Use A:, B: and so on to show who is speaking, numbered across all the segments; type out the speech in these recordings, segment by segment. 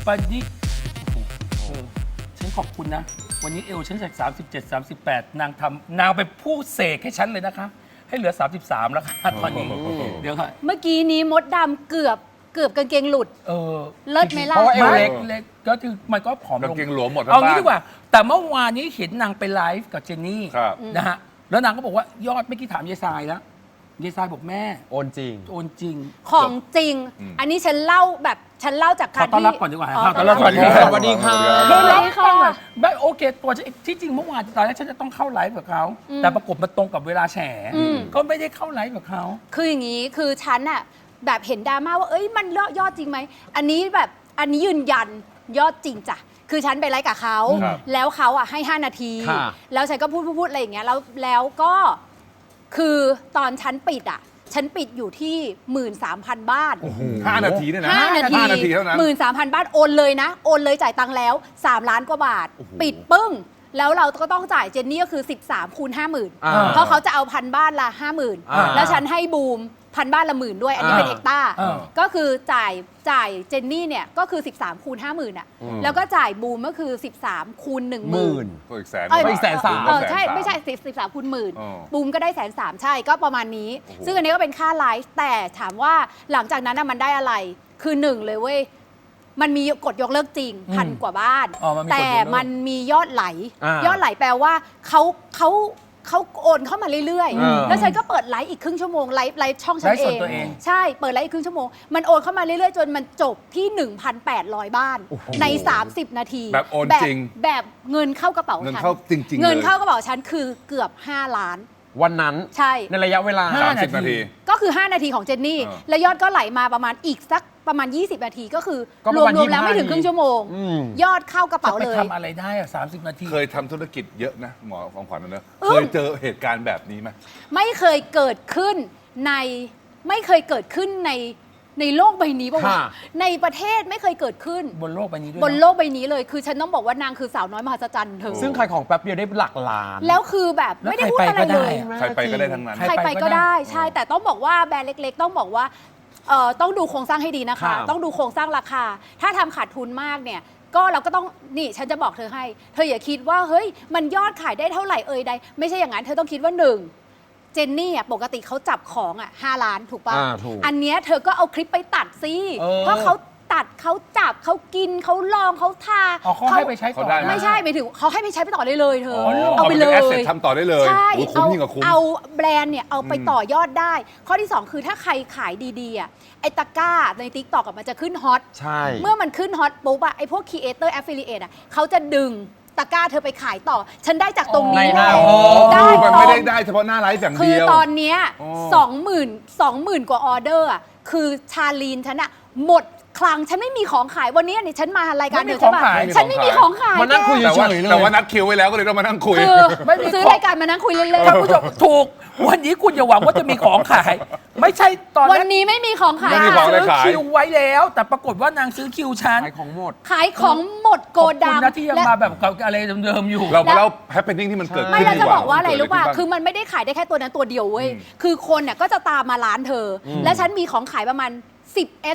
A: ปันนี้ฉันขอบคุณนะ วันนี้เอลฉันจาก37 38นางไปพูดเสกให้ฉันเลยนะคะ ให้เหลือ 33 แล้วค่ะตอนนี้เดี๋ยวค่ะ
B: เมื่อกี้นี้มดดำเกือบกางเกงหลุดเลิศไหมล่ะ
C: เพราะว่าเอวเล็ก
A: เล็กก็คือมันก็ผอมล
D: กาง
A: ง
D: เกงหลวมหมดทั้ง
A: เอา
D: บ้า
A: งี้
D: น
A: ดีกว่า แต่เมื่อวานนี้เห็นนางไปไลฟ์กับเจนนี่
D: ครับ
A: นะฮะแล้วนางก็บอกว่ายอดไม่อกี้ถามยายทรายแล้วยายทรายบอกแม่
C: โอนจริง
A: โอนจริง
B: ของจริง อันนี้ฉันเล่าจาก
A: ข
B: กา
A: อ
B: ร
A: ต้อน
B: ที่
A: รับก่อนดีกว่า
B: อ๋อ
A: ต้อนรับ
D: สวัสดีครับ
C: สวัสดีค่ะ
B: สวัสดีค่ะ
A: ไม่โอเคตัวฉันที่จริงเมื่อวานตอนแรกฉันจะต้องเข้าไลฟ์กับเขาแต่ปรากฏมันตรงกับเวลาแฉก็ไม่ได้เข้าไลฟ์กับเขา
B: คืออย่างนี้คือฉันอะแบบเห็นดราม่าว่าเอ้ยมันยอดจริงไหมอันนี้ยืนยันยอดจริงจ้ะคือฉันไปไลฟ์กับเขา
D: ครับ
B: แล้วเขาอะให้ 5 นาที
C: ค่ะ
B: แล้วฉันก็พูดอะไรอย่างเงี้ยแล้วก็คือตอนฉันปิดอะฉันปิดอยู่ที่ 13,000 บ้าน
D: 5 นาทีเนี่ยนะ
B: 5 นาที
D: 5 นาทีเท่านั้น
B: 13,000 บ้านโอนเลยนะ โอนเลยจ่ายตังค์แล้ว 3 ล้านกว่าบาท ปิดปึ้ง แล้วเราก็ต้องจ่ายเจนนี่ก็คือ 13 คูณ 50,000 เพราะเขาจะเอา1,000 บ้านละ 50,000 แล้วฉันให้บูม1,000 บ้านละ10,000ด้วย อันนี้เป็นเอกต้า ก็คือจ่ายเจนนี่เนี่ยก็คือ 13 คูณ 50,000อ่ะแล้วก็จ่ายบูมก็คือ 13 คูณ 10,000
D: ตัวอีกแสน
B: เอ้ย
C: อีก130,000
B: ใช่ ไม่ใช่13 คูณ
D: อ๋อ
B: 10,000บูมก็ได้130,000ใช่ก็ประมาณนี้ ซึ่งอันนี้ก็เป็นค่าไลฟ์แต่ถามว่าหลังจากนั้นน่ะมันได้อะไรคือหนึ่งเลยเว้ยมันมีกดยกเลิกจริงพันกว่าบ้าน แต่มันมียอดไหล ยอดไหลแปลว่าเขาโอนเข้ามาเรื่อยๆ แล้วฉันก็เปิดไลฟ์อีกครึ่งชั่วโมงไลฟ์ช่องฉันเอง ใช่เปิดไลฟ์อีกครึ่งชั่วโมงมันโอนเข้ามาเรื่อยๆจนมันจบที่ 1,800 บ้านใน 30 นาที
D: แบบโอนจริง
B: แบบเงินเข้ากระเป๋า
D: เงิน
B: ฉัน
D: เข้าจริงๆ
B: เงิน
D: เลย
B: เข้ากระเป๋าฉันคือเกือบ 5 ล้าน
C: วันนั้น
B: ใช่
C: ในระยะเวลา
D: 30 นาที
B: ก็คือ 5 นาทีของเจนนี่ แล้วยอดก็ไหลมาประมาณอีกสักประมาณ 20 นาทีก็คือ
C: ก็ป
B: ร
C: ระ
B: ว
C: มาณ
B: มๆแล้วไม่ถึงครึ่งชั่วโมง ยอดเข้ากระ
A: จะ
B: เป๋า
A: ไป
B: เลย
A: ทำอะไรได้อะ30 นาที
D: เคยทำธุรกิจเยอะนะหมอของขวัญนะ
B: อืม
D: เคยเจอเหตุการณ์แบบนี้ไหม
B: ไม่เคยเกิดขึ้นในโลกใบนี้ป่าวะ
C: ค่ะ
B: ในประเทศไม่เคยเกิดขึ้น
A: บนโลกใบนี้ด้วย
B: บนโลกใบนี้เลยคือฉันต้องบอกว่านางคือสาวน้อยมหัศจรรย์เธอ
C: ซึ่งขายของแป๊บเดียวได้หลักล้าน
B: แล้วคือแบบไม่ได้พูดอะไรเลย
D: ใครไปก็ได้ทั้งนั้น
B: ใครไปก็ได้ใช่แต่ต้องบอกว่าแบรนด์เล็กๆ ต้องบอกว่าต้องดูโครงสร้างให้ดีนะคะ
C: ครับ
B: ต้องดูโครงสร้างราคา ถ้าทำขาดทุนมากเนี่ยก็เราก็ต้องนี่ฉันจะบอกเธอให้ เธออย่าคิดว่าเฮ้ยมันยอดขายได้เท่าไหร่ใดไม่ใช่อย่างนั้นเธอต้องคิดว่า1เจนนี่ปกติเขาจับของ5 ล้านถูกป่ะ
C: ถูก
B: อันเนี้ยเธอก็เอาคลิปไปตัดสิ
C: เออ
B: เพราะเขาตัดเขาจับเขากินเขาลองเขาทา
A: เขาให้ไปใช้ต่อ
D: เขาได้
B: ไม่ใช่ไปถึงเขาให้ไปใช้ไปต่อได้เลยเธอ
D: เอา
B: ไป
D: ไป
B: เล
D: เลย ยทำต่อได้เลย
B: ใช่
D: โอ้คุ้มยิ่งกว่าคุ้ม
B: เอาแบรนด์เนี่ยเอาไปต่อยอดได้ ข้อที่ 2 คือถ้าใครขายดีๆไอ้ตะกร้าใน TikTok มันจะขึ้นฮอต
C: ใช่
B: เมื่อมันขึ้นฮอตปุ๊บไอ้พวก Creator Affiliate เขาจะดึงตะกร้าเธอไปขายต่อ ฉันได้จากตรงนี้
C: ในหน้า
B: ได้
D: มัน
B: ต
D: ไม่
B: ร
D: ได้
B: ง
D: ได้เฉพาะหน้าไลฟ์อย่าง
B: คื
D: เดี
B: อ
D: ยว
B: ตอนเนี้ย
D: อ๋
B: 20,000กว่าออเดอร์คือชาลีนฉันหมดคลังฉันไม่มีของขายวันนี้เนี่ยฉันมารายการเธอใช่ปะฉันไม่มีของขาย
C: มานั่งคุย
D: แต่ว่า
C: เฉยๆเลย
D: แต่ว่านัดคิวไว้แล้วก็เลยต้องมานั่งคุย
B: คือ
A: ไม่มี
B: ซื้อ
A: ของ
B: รายการมานั่งคุยเล่น
A: ท่านผู้ชมถูก วันนี้คุณอย่าหวังว่าจะมีของขาย ไม่ใช่ตอน
B: ๆวันนี้ไม่มีของขาย
D: ไม่มีของ
A: ซื้อ
D: ขาย
A: คิวไว้แล้ว แต่ปรากฏว่านางซื้อคิวฉัน
C: ขายของหมด
B: ขายของหมดโก
A: ขอบ
B: ดั
A: คุ
B: ง
A: ณนะที่ยัง
B: และ
A: มาแบบกับอะไรเดิมๆอยู่
D: เรามาเล่าแฮปปี้นิ่งที่มันเกิด
B: ไม่
D: ขึ้น
B: แล้ว
D: ดี
B: จะ
D: กว่า
B: บอกว่าอะไรรู้ป่ะ
D: เกิด
B: คือมันไม่ได้ขายได้แค่ตัวนั้นตัวเดียวเว้ย คือคนเนี่ยก็จะตามมาร้านเธออและฉันมีของขายประมาณ 10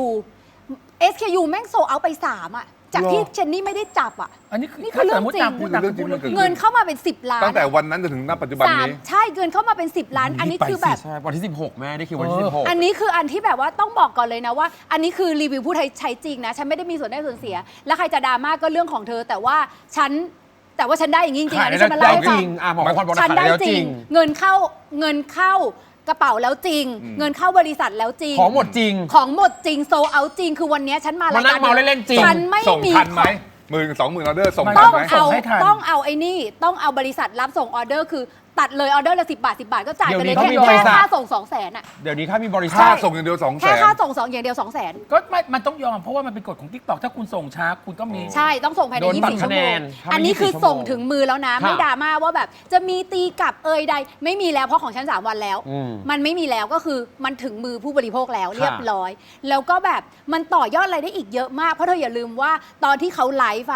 B: SKU แม่งโซเอาไป 3 จากที่เจนนี่ไม่ได้จับ
A: อันนี้คือ
B: นี่คือเรื่องจริง
A: ถ้าสมมุตินางพูดนางก็พูดเรื่องจริง
B: เงินเข้ามาเป็น 10 ล้าน
D: ตั้งแต่วันนั้นจนถึงณปัจจุบันนี้
B: ใช่เงินเข้ามาเป็น 10 ล้าน อันนี้คือแบบ
C: ใช่ วันที่ 16 แม่ได้คิววันที่ 16
B: อันนี้คืออันที่แบบว่าต้องบอกก่อนเลยนะว่า อันนี้คือรีวิวผู้ใช้จริงนะ ฉันไม่ได้มีส่วนได้ส่วนเสีย แล้วใครจะดราม่าก็เรื่องของเธอ แต่ว่าฉันได้อย่างนี้จริงๆอันนี้ฉันมา
C: ได้
B: เล่าให้
C: จ
B: ฟั
C: ริ
B: ง
C: งหมอควันบอก
B: ฉัน
C: ขาย
B: ได้
C: แล้ว
B: จ
C: จ
B: ริ
C: ริ
B: ง
C: ง
B: เงินเข้ากระเป๋าแล้วจริง เงินเข้าบริษัทแล้วจริง
C: ของหมดจริง
B: ของหมดจริงโซเอาจริง คือวันนี้ฉันมาราย
C: มานั่
B: การ
C: งเมาเล่นๆจริง
B: ฉันไม่
D: ส่ง
B: มี
D: ทันไหม10,000 20,000 ออเดอร์ส่ง
A: ไม่
D: ทั
B: ต้
D: น
B: อง
D: ไหม
B: เอา
A: ส่งให้ทัน
B: ต้องเอาไอ้นี่ต้องเอาบริษัทรับส่งออเดอร์คือตัดเลยออเดอร์ละ10 บาท 10 บาทก็จ่ายไปเลย
C: เดี๋ยวนี้
B: แค่
C: เขามีบริษัท
B: ค่าส่ง 200,000
C: เดี๋ยวนี้ค่ามีบริษั
D: ค่า
C: ท
D: ส่งอย่างเดียว200,000
B: แค่ค่าส่งอย่างเดียว 200,000
A: ก็ไม่มันต้องยอมเพราะว่ามันเป็นกฎของ TikTok ถ้าคุณส่งช้าคุณก็มี
B: ใช่ ต้องส่งภายใน
C: โดนตัด
B: 24 ชั่วโม
C: คะแน
B: ง
C: นถ้าไม่
B: อันนี้คือ
C: 24
B: ส่งถึงมือแล้วนะ
C: ค่ะ
B: ไม่ดราม่าว่าแบบจะมีตีกลับใด ไม่มีแล้วเพราะของฉัน 3 วันแล้ว
C: อืม
B: มันไม่มีแล้วก็คือมันถึงมือผู้บริโภคแล้วเรียบร้อย แล้วก็แบบมันต่อยอดอะไรได้อีกเยอะมาก เพราะเธออย่าลืมว่าตอนที่เขาไลฟ์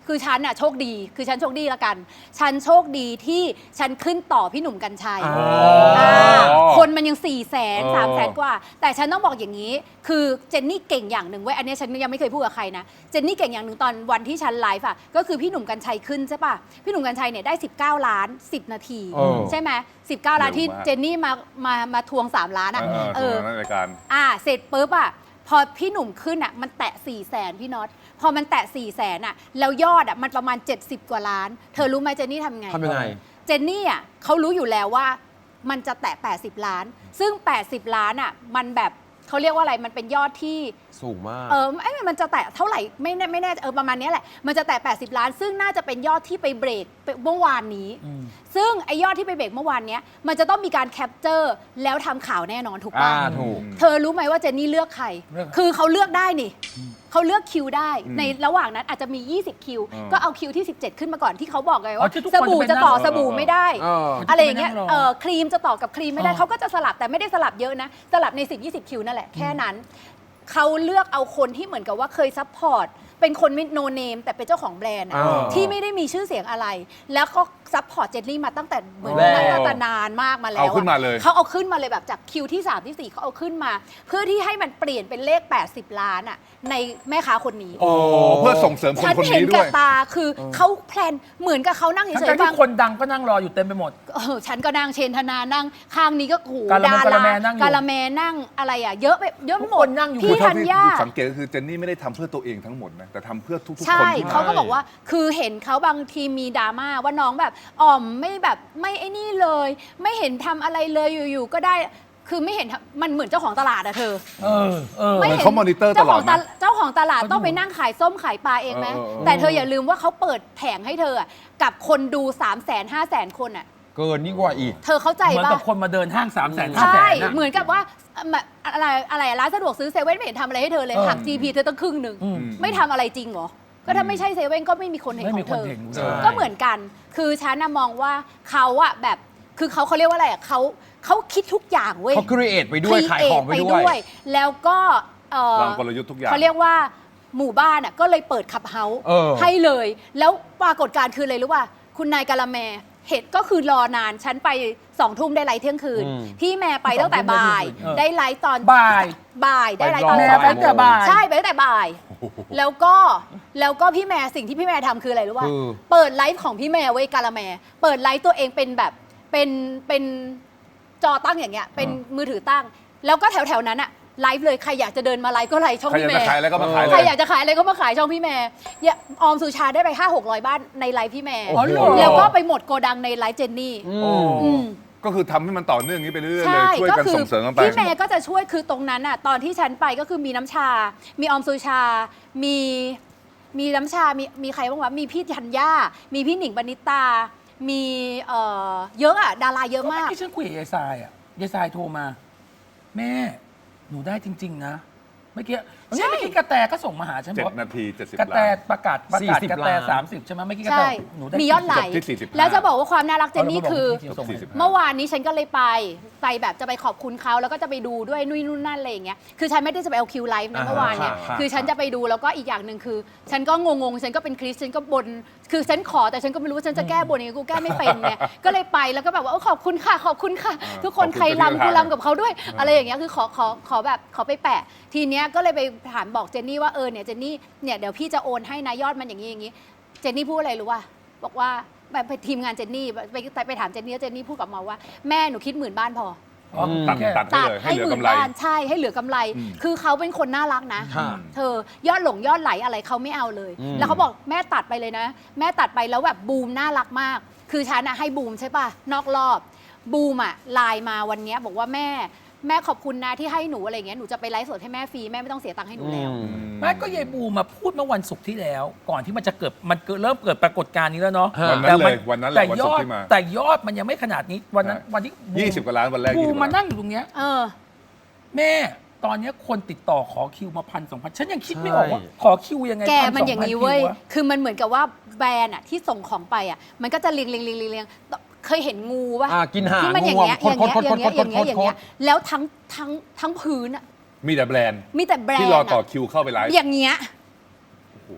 B: คือฉันอะโชคดีคือฉันโชคดีละกัน ฉันโชคดีที่ฉันขึ้นต่อพี่หนุ่มกัญชัย
C: อ๋อ
B: คนมันยัง400,000 300,000 กว่า แต่ฉันต้องบอกอย่างนี้ คือเจนนี่เก่งอย่างหนึ่งเว้ยอันนี้ฉันยังไม่เคยพูดกับใครนะเจนนี่เก่งอย่างหนึ่งตอนวันที่ฉันไลฟ์อะก็คือพี่หนุ่มกัญชัยขึ้นใช่ป่ะพี่หนุ่มกัญชัยเนี่ยได้19 ล้าน 10 นาที ใช่ไหม19 ล้านที่เจนนี่มาทวง3 ล้านอะ
D: นั่นรายการ
B: เสร็จปุ๊บอะพอพี่หนุ่มขึ้นอะมันแตะ400,000พี่น็อตพอมันแตะ400,000อะแล้วยอดอะมันประมาณ70 กว่าล้าน เธอรู้ไหมเจนนี่ทำไง
C: ทำยังไง
B: เจนนี่อะเขารู้อยู่แล้วว่ามันจะแตะ80 ล้าน ซึ่ง80 ล้านอะมันแบบเขาเรียกว่าอะไรมันเป็นยอดที่
C: สูงมาก
B: มันจะแตะเท่าไหร่ไม่แน่ประมาณนี้แหละมันจะแตะ80 ล้าน ซึ่งน่าจะเป็นยอดที่ไปเบรกเมื่อวานนี้ ซึ่งไอยอดที่ไปเบรกเมื่อวานเนี้ยมันจะต้องมีการแคปเจอร์แล้วทำข่าวแน่นอนถูกป่ะ
C: ถูก
B: เธอรู้ไหมว่าเจนนี่เลือกใคร
A: เลือก
B: คือเขาเลือกได้นี่เขาเลือกคิวได้ ในระหว่างนั้นอาจจะมี 20 คิว ก็เอาคิวที่ 17 ขึ้นมาก่อนที่เขาบอกไง
A: อ๋
B: ว่า
A: อที่ทุก
B: ส
A: คน
B: บู่
A: จะ
B: จะ
A: ไปนั่ง
B: ต่อสบู่ไม่ได้ อะไรอย่างเงี้ย
A: ที่ทุกคนไปนั่งรอ
B: ครีมจะต่อกับครีมไม่ได้
A: อ๋อ
B: เขาก็จะสลับแต่ไม่ได้สลับเยอะนะ สลับใน 10-20 คิวนั่นแหละแค่นั้น เขาเลือกเอาคนที่เหมือนกับว่าเคยซัพพอร์ตเป็นคนไม่โนเนมแต่เป็นเจ้าของแบรนด์อะ
C: อ่า
B: ที่ไม่ได้มีชื่อเสียงอะไร แล้วก็ซัพพอร์ตเจนนี่มาตั้งแต่เหมือน
C: แรก
B: ตั้งแต่นานมากมาแล้ว
D: เอาขึ้นมาเลย
B: เขาเอาขึ้นมาเลยแบบจากคิวที่ 3 ที่ 4เขาเอาขึ้นมา เพื่อที่ให้มันเปลี่ยนเป็นเลข 80 ล้านอะในแม่ค้าคนนี้
D: โอ้เพื่อส่งเสริมคน
B: ฉัน
D: คน
B: เห็น
D: นี้ด้
B: กั
D: ว
B: บ
D: ย
B: ตาคือเขาแพลนเหมือนกับเขานั่งเฉ
A: ทั้
B: ย
A: ง
B: ๆ
A: ที่
B: บาง
A: คนดังก็นั่งรออยู่เต็มไปหมด
B: ฉันก็นั่งเชนธนานั่งข้างนี้ก็โอ้โห
A: กาละ
B: ดา
A: แม
B: ราก
A: าละแมนั่งอยู่
B: กาละแมนั่งอะไรอ่ะเยอะไปเยอะไปหม
A: ทุกค
B: ด
A: นนั่งอยู่
B: พี่
D: เท่า
B: ธัญ
D: ที่
B: ญา
D: สังเกตก็คือเจนนี่ไม่ได้ทำเพื่อตัวเองทั้งหมดนะแต่ทำเพื่อทุกๆคน
B: ใช่
D: ที่
B: เขาก็
D: มา
B: บอกว่าคือเห็นเขาบางทีมีดราม่าว่าน้องแบบอ่อมไม่แบบไม่ไอ้นี่เลย ไม่เห็นทำอะไรเลยอยู่ๆก็ได้คือไม่เห็นทำมันเหมือนเจ้าของตลาดอะเธอ
D: เหมือนเขามอนิเตอร์ตลอดนะ
B: เจ้าของตลาดต้องไปนั่งขายส้มขายปลาเองไหม แต่เธออย่าลืมว่าเขาเปิดแผงให้เธออะกับคนดู 300,000-500,000 คนอะ
C: เกินนี่กว่าอีก
B: เธอเข้าใจ
A: เหมือน
B: ปะ
A: กับคนมาเดินห้าง300,000
B: ใช่
A: 500,000
B: เหมือนกับว่าอะไรร้านสะดวกซื้อเซเว่นไม่เห็นทำอะไรให้เธอเลยหัก GP เธอตั้งครึ่งหนึ่งไม่ทำอะไรจริงเหรอ ก็ถ้าไม่ใช่เซเว่นก็ไม่มีคนเห็น
A: ไม่
B: ข
A: มี
B: อง
A: ค
B: เธ
A: น
B: อ
A: เห็น
C: ใช่
B: ก็เหมือนกัน คือฉันน่ะมองว่าเขาอะแบบคือเขาเรียกว่าอะไรอะเขาคิดทุกอย่างเว้ย
C: เขาครีเอทไปด้วยขายของไปด้วย
B: แล้วก็
D: วางกลยุทธ์ทุกอย่าง
B: เขาเรียกว่าหมู่บ้านอะก็เลยเปิดขับเฮาส์ ให้เลย แล้วปรากฏการณ์คืออะไรรู้ป่ะคุณนายกาละแมเหตุก็คือรอนานฉันไป2 ทุ่มได้ไลฟ์เที่ยงคืน พี่แม่ไปตั้งแต่บ่าย ได้ไลฟ์ตอน
A: บ่าย
B: ได้ไลฟ์ตอน
A: แม่ไปตั้งแต่บ่าย
B: ใช่ไปตั้งแต่บ่าย แล้วก็พี่แม่สิ่งที่พี่แม่ทำคืออะไรรู้ป่ะ
C: คือ
B: เปิดไลฟ์ของพี่แม่ไว้ยกาละแมเปิดไลฟ์ตัวเองเป็นแบบเป็นจอตั้งอย่างเงี้ยเป็นมือถือตั้ง แล้วก็แถวๆนั้นอะไลฟ์เลยใครอยากจะเดินมาไลฟ์ก็ไลฟ์ช่อง
D: ใครอ
B: พี่
D: ยาก
B: แม่
D: จะขายอะไรก็มาขายเล
B: ใคร
D: ย
B: อยากจะขายอะไรก็มาขายช่องพี่แม่เนี่ยออมสุชาได้ไป500-600 บ้านในไลฟ์พี่แม่
A: อ๋อเหรอ
B: แล้วก็ไปหมดโกดังในไลฟ์เจนนี่ อืม
D: ก็คือทำให้มันต่อเนื่องอย่างนี้ไปเรื่อยๆเล
B: ใช่
D: ยช่วย
B: ก็
D: กัน
B: คื
D: ส่งเสริมกันไป
B: พี่แม่ก็จะช่วยคือตรงนั้นอ่ะตอนที่ฉันไปก็คือมีน้ำชา มีออมสุชา มีน้ำชา มีใครบ้างวะมีพี่ธัญญา มีพี่หนิงปณิตา มีเยอะอ่ะดาราเยอะมาก
A: ที่ฉันคุยกับยายทรายยายทรายโทรมา แม่หนูได้จริง ๆ นะเมื่อกี้เมื่อกี้กระแตก็ส่งมาหาฉันบอก
D: 7 นาที70
A: กระแต
D: ล้าน
A: ประกาศ
C: 40
A: กระแต
C: ล้าน
A: 30 ใช่ไหมเมื่อกี้กระแต
B: ใช่
A: หนูได้
B: มียอดไหล
D: จบที่45
B: แล้วจะบอกว่าความน่ารักเจนนี่คือ
A: ส่งมา
B: เมื่อวานนี้ฉันก็เลยไปแบบจะไปขอบคุณเขาแล้วก็จะไปดูด้วยนุ่ยนู่นนั่นอะไรอย่างเงี้ยคือฉันไม่ได้จะไปเอาคิวไลฟ์นะเมื่อวานเนี่ย
C: ค่ะ
B: คือฉันจะไปดูแล้วก็อีกอย่างหนึ่งคือ ฉันก็งงฉันก็เป็นคริสฉันก็บนคือฉันขอแต่ฉันก็ไม่รู้ว่าฉันจะแก้บนยังไงกูแก้ไม่เป็นเนี่ยก็เลยไปแล้วก็แบบว่าขอบคุณค่ะขอบคุณค่ะ ทุกคน
D: ขอบคุณ
B: ใคร
D: ที่
B: รำกู
D: ทำ
B: รำกับเขาด้วย อะไรอย่างเงี้ยคือขอแบบขอไปแปะ ทีเนี้ยก็เลยไปถามบอกเจนนี่ว่าเนี่ยเจนนี่เนี่ยเดี๋ยวพี่จะโอนให้นะยอดมันอย่างนี้เจนนี่พูดอะไรรู้ป่ะบอกว่าแบบไปทีมงานเจนนี่ไปถามเจนนี่แล้วเจนนี่พูดกับมาว่าแม่หนูคิด10,000 บ้านพอ
A: อ๋อ
D: ตัด
A: แค่
D: ตัดให้เลยให้เหลือกำไร
B: บ้านใช่ให้เหลือกำไร คือเขาเป็นคนน่ารักนะ
C: ค่ะ
B: เธอยอดยอดไหลอะไรเขาไม่เอาเลย
C: อืม
B: แล้วเขาบอกแม่ตัดไปเลยนะ แม่ตัดไปแล้วแบบบูมน่ารักมาก คือฉันอะให้บูมใช่ป่ะนอกรอบบูมอะไลน์มาวันเนี้ยบอกว่าแม่ขอบคุณนะที่ให้หนูอะไรเงี้ยหนูจะไปไลฟ์สดให้แม่ฟรีแม่ไม่ต้องเสียตังค์ให้หนูแล้ว
A: แม่ก็ยายบูมาพูดเมื่อวันศุกร์ที่แล้ว ก่อนที่มันจะเกิดเริ่มเกิดปรากฏการณ์นี้แล้วเนาะ
D: วันนั้นเลยวันนั้นแหละ
A: แต่
D: วัน
A: ย
D: ศุก
A: อ
D: ร์
A: ด
D: ที่มา
A: แต่ยอดมันยังไม่ขนาดนี้วันนั้น
D: ใช่
A: วันที่บูม
D: 20 กว่าล้านวันแรก
A: บู
D: 20
A: ม
D: ก
A: มา
D: ว่าล้าน
A: นั่งอยู่ตรงเนี้ยแม่ตอนเนี้ยคนติดต่อขอคิวมา1,000-2,000ฉันยังคิดไม่ออกว่า
C: ใช่
A: ขอคิวยังไง
B: แกมันอย่างนี้
A: 1,000-2,000
B: เว้ย
A: คิวอะ
B: คือมันเหมือนกับว่าแบรนด์อะที่ส่งของไปอะมันก็จะเรียงเคยเห็นงูป่ะ
C: กินหาง
B: ที่มันอย่างเงี้ย
C: งูอะ
B: อย่างเงี้ย
C: คด
B: แล้วทั้งพื้นอะ
D: มีแต่แบรนด์
B: มีแต่แบรนด์
D: ที่รอต่อ
B: อะ
D: คิวเข้าไปไลฟ์
B: อย่างเงี้ย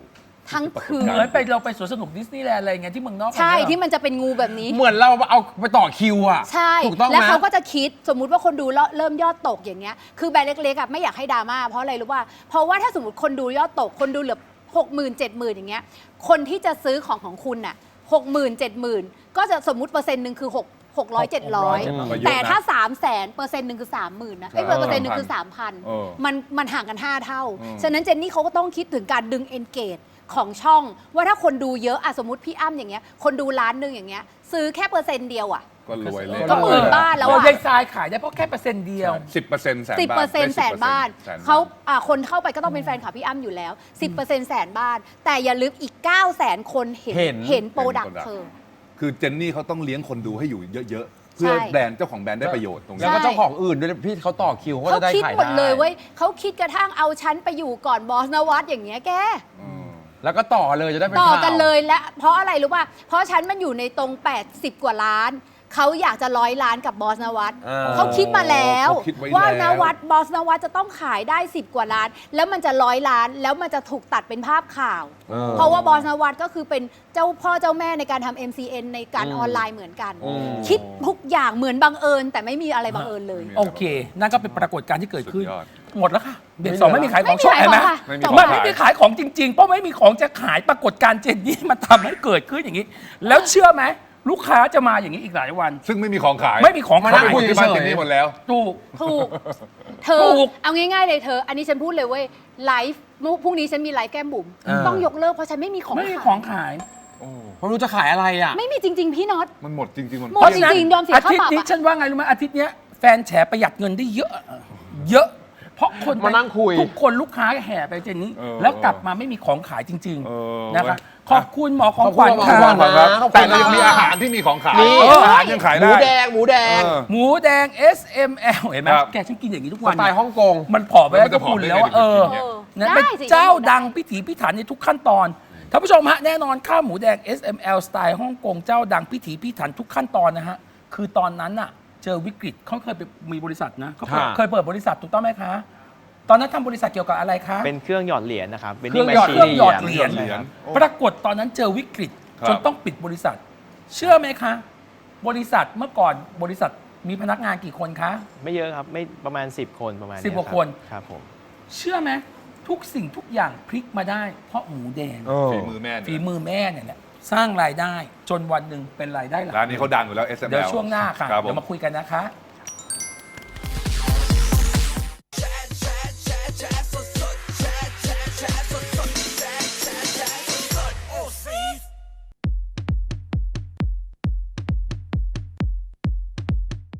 B: ทั้งคืน
A: เหมือนไปเราไปสวนสนุกดิสนีย์แลนด์อะไรเงี้ยที่เมืองนอก
B: ใช่
A: กัน
B: ที่มันจะเป็นงูแบบนี้
C: เหมือนเราเอาไปต่อคิวอ่ะ
B: ใช่
C: ถูกต้องไหม
B: แล้วเขาก็จะคิดสมมุติว่าคนดูเริ่มยอดตกอย่างเงี้ยคือแบรนด์เล็กๆอ่ะไม่อยากให้ดราม่าเพราะอะไรรู้ป่ะเพราะว่าถ้าสมมติคนดูยอดตกคนดูเหลือ 60,000 70,000อย่างเงี้ยคนที่จะซื้อของคุณน่ะ 60,000 70,000ก็จะสมมุติเปอร์เซ็นต์หนึ่งคือ600 700แต่ถ้า 300,000%หนึ่งคือ 30,000นะเปอร์เซ็นต์หนึ่งคือ 3,000มันห่างกัน 5 เท่าฉะนั้นเจนนี่เขาก็ต้องคิดถึงการดึง engage ของช่องว่าถ้าคนดูเยอะอะสมมติพี่อ้ำอย่างเงี้ยคนดูล้านหนึ่งอย่างเงี้ยซื้อแค่เปอร์เซ็นต์เดียวอะ
D: ก็รวยเลย
B: ก็หมื่นบ้านแล้ว
A: เรา
B: อะ
A: ยายทรายขายได้เพราะแค่%เดียว
D: 10%แสน
B: 10%แสนบ้านเขาคนเข้าไปก็ต้องเป็นแฟนคลับพี่อ้ำอยู่แล้ว 10%แสนบ้าน แต่อย่าลืมอีก 900,000 คนเห็นโปรดักต์เธอ
D: คือเจนนี่เขาต้องเลี้ยงคนดูให้อยู่เยอะๆ เพื่อ
B: ใช่
D: แบรนด์เจ้าของแบรนด์ได้ประโยชน์ตรง
C: แล้ว
D: นี้
C: ก็เจ้าของอื่นด้วยพี่เขาต่อคิวเขา
B: เขา
C: จะได้
B: คิด
C: ขาย
B: หมดเลย
C: ได้
B: เว้ยเขาคิดกระทั่งเอาฉันไปอยู่ก่อนบอสนวัตอย่างเงี้ยแก
C: แล้วก็ต่อเลยจะได้เป็น
B: ต่อ
C: ข่าว
B: กันเลยและเพราะอะไรรู้ป่ะ เพราะฉันมันอยู่ในตรง 80 กว่าล้าน เขาอยากจะ100 ล้านกับบอสนวัตเขาคิดมาแล้ว
D: เขาคิดไว้
B: ว่า
D: แล้
B: น
D: ว
B: วัตบอสนวัตจะต้องขายได้ 10 กว่าล้าน แล้วมันจะ100 ล้าน แล้วมันจะถูกตัดเป็นภาพข่าว เพราะว่าบอสนวัตก็คือเป็นเจ้าพ่อเจ้าแม่ในการทำ MCN ในการออนไลน์เหมือนกัน คิดทุกอย่างเหมือนบังเอิญแต่ไม่มีอะไรบังเอิญเลย
A: โอเค นั่นก็เป็นปรากฏการณ์ที่เกิดขึ้น
D: สุดยอด
A: หมดแล้วค่ะเบรกสองไม่มีขายของช่วง
B: ไม่
A: เห็น
B: มี
A: ไหม
B: ขายของค่ะ
D: ไม่มี
A: มันไม่ได้ขายของจริงๆ เพราะไม่มีของจะขายปรากฏการณ์เจนนี่มันทำให้เกิดขึ้นอย่างนี้ แล้วเชื่อไหมลูกค้าจะมาอย่างนี้อีกหลายวัน
D: ซึ่งไม่มีของขาย
A: ไม่มีของ
C: มา
A: ขา
C: นั่ง
A: ย
C: คุย
D: ที่บ้านเจนนี่หมดแล้ว
A: ถูก
B: ถูก เธอ
A: ถูก
B: เอาง่ายๆเลยเธอ อันนี้ฉันพูดเลยเว้ย ไลฟ์พรุ่งนี้ฉันมีไลฟ์แก้มบุ๋ม ต้องยกเลิกเพราะฉันไม่มีของ
A: ไม่มี
B: ขาย
A: ของขาย
C: ผมรู้จะขายอะไรอ่ะ
B: ไม่มีจริง ๆ พี่น็อต
D: มันหมดจริงๆ มัน
B: หมด จริงๆยอมเสีย
A: อา
B: ค่า
A: ทิต
B: ปรับ
A: ย์นี้
B: อะ
A: ฉันว่าไงรู้ไหมอาทิตย์เนี้ยแฟนแฉประหยัดเงินได้เยอะ เยอะ เพราะคน
C: มานั่งคุย
A: ทุกคนลูกค้าแห่ไปเจนนี้
D: เออ
A: แล้วกลับมาไม่มีของขายจริง
D: เออ
A: ๆนะคะ
D: เว้ย
A: ขอบคุณหมอของขวัญ
C: ขอบ
A: ค่ะ
C: คุณ
D: ครับ
C: ขอบคุณ
D: แต่เรายังมีอาหารที่มีของขาย
C: นี่
D: อาหารยังขาย
C: หมู
D: ได้
C: แดงหมูแดง
D: เออ
A: หมูแดง SML เห็นไหม
D: ครับ
A: แกฉันกินอย่างนี้ทุก
C: ส
A: วัน
C: ไตล์ฮ่องกง
A: มันผอมไปแล้ว
D: มันจะ
A: ก็คุณ
D: ผอมได้
A: แล้วอะ
D: ไง
A: เออ
D: เดี๋ยว
A: นั่น
B: ได้
A: เป็น
B: สิ
A: เจ้าดังพิถีพิถันในทุกขั้นตอนท่านผู้ชมฮะแน่นอนข้าวหมูแดง SML สไตล์ฮ่องกงเจ้าดังพิถีพิถันทุกขั้นตอนนะฮะคือตอนนั้นอะเจอวิกฤตเขาเคยไปมีบริษัทนะเขา
C: ค่ะ
A: เคยเปิดบริษัทถูกต้องไหมคะ ตอนนั้นทำบริษัทเกี่ยวกับอะไรคะ
E: เป็นเครื่องหยอดเหรียญนะครับ
A: เครื่องหยอด
E: vending
A: เครื่องหยอด
E: machine
A: เหรียญ
D: เหรียญ
A: ปรากฏตอนนั้นเจอวิกฤต
D: ครับ
A: จนต้องปิดบริษัท เชื่อไหมคะ บริษัทเมื่อก่อนบริษัทมีพนักงานกี่คนคะ
E: ไม่เยอะครับ ไม่ประมาณ 10 คนประมาณ
A: 10 กว่า
E: เยรับ
A: คน
E: ครับผม
A: เชื่อไหมทุกสิ่งทุกอย่างพลิกมาได้ เพราะหมูแดง
D: ฝีมือแม่
A: ฝี
D: เนี่ย
A: มือแม่เนี่ยแหละสร้างรายได้จนวันหนึ่งเป็นรายได้หลัก
D: ร้านนี้เขาดังอยู่แล้ว SML
A: เดี๋ยวช่วงหน้าค่ะ
D: รับผม
A: เดี๋ยวมาคุยกันนะคะ